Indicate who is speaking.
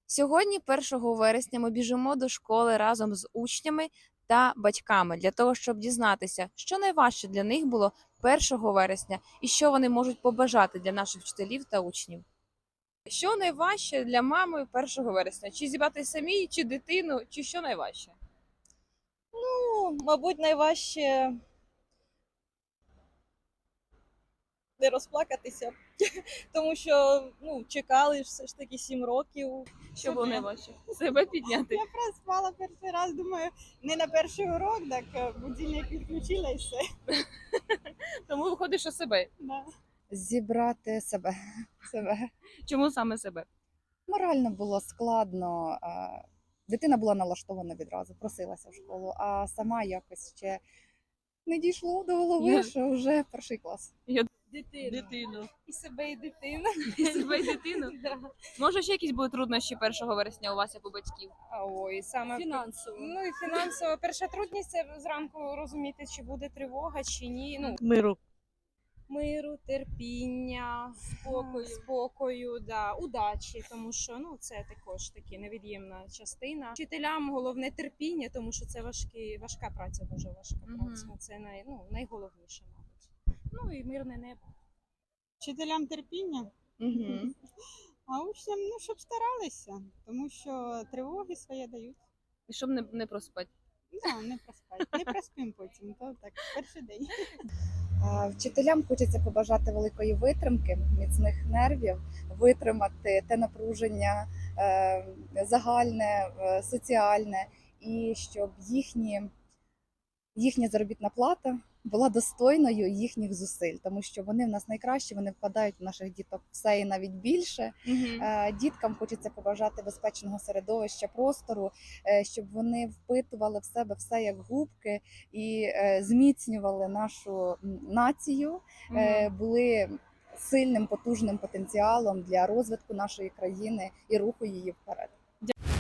Speaker 1: Сьогодні, 1 вересня, ми біжимо до школи разом з учнями та батьками для того, щоб дізнатися, що найважче для них було 1 вересня і що вони можуть побажати для наших вчителів та учнів. Що найважче для мами 1 вересня? Чи зібрати самій, чи дитину, чи що найважче?
Speaker 2: Ну, мабуть, найважче не розплакатися, тому що чекали ж все ж таки 7 років.
Speaker 1: Що було найважче? Себе підняти.
Speaker 3: Я проспала перший раз, думаю, не на перший урок, так будильник відключила і все.
Speaker 1: Тому виходить, що себе.
Speaker 3: Да.
Speaker 4: Зібрати себе.
Speaker 1: Чому саме себе?
Speaker 4: Морально було складно. Дитина була налаштована відразу, просилася в школу, а сама якось ще не дійшло до голови, що вже перший клас.
Speaker 1: Дитину.
Speaker 3: І себе, і дитину.
Speaker 1: І себе, і дитину?
Speaker 3: Да.
Speaker 1: Може, ще якісь будуть труднощі 1 вересня у вас, як у батьків?
Speaker 3: Ой, саме
Speaker 2: Фінансово.
Speaker 3: Ну і фінансово. Перша трудність це зранку розуміти, чи буде тривога, чи ні. Ну,
Speaker 2: Миру,
Speaker 3: терпіння, спокою, да, удачі, тому що це також таки невід'ємна частина. Вчителям головне терпіння, тому що це важка праця, дуже важка праця. Це найголовніше, мабуть. Ну і мирне небо.
Speaker 5: Вчителям терпіння, а учням, щоб старалися, тому що тривоги своє дають.
Speaker 1: І щоб не проспати.
Speaker 5: Не проспать. Не проспим потім, то так, перший день.
Speaker 4: Вчителям хочеться побажати великої витримки, міцних нервів, витримати те напруження загальне, соціальне, і щоб їхня заробітна плата була достойною їхніх зусиль, тому що вони в нас найкращі, вони вкладають в наших діток все і навіть більше. Діткам хочеться побажати безпечного середовища, простору, щоб вони впитували в себе все як губки і зміцнювали нашу націю, були сильним, потужним потенціалом для розвитку нашої країни і руху її вперед.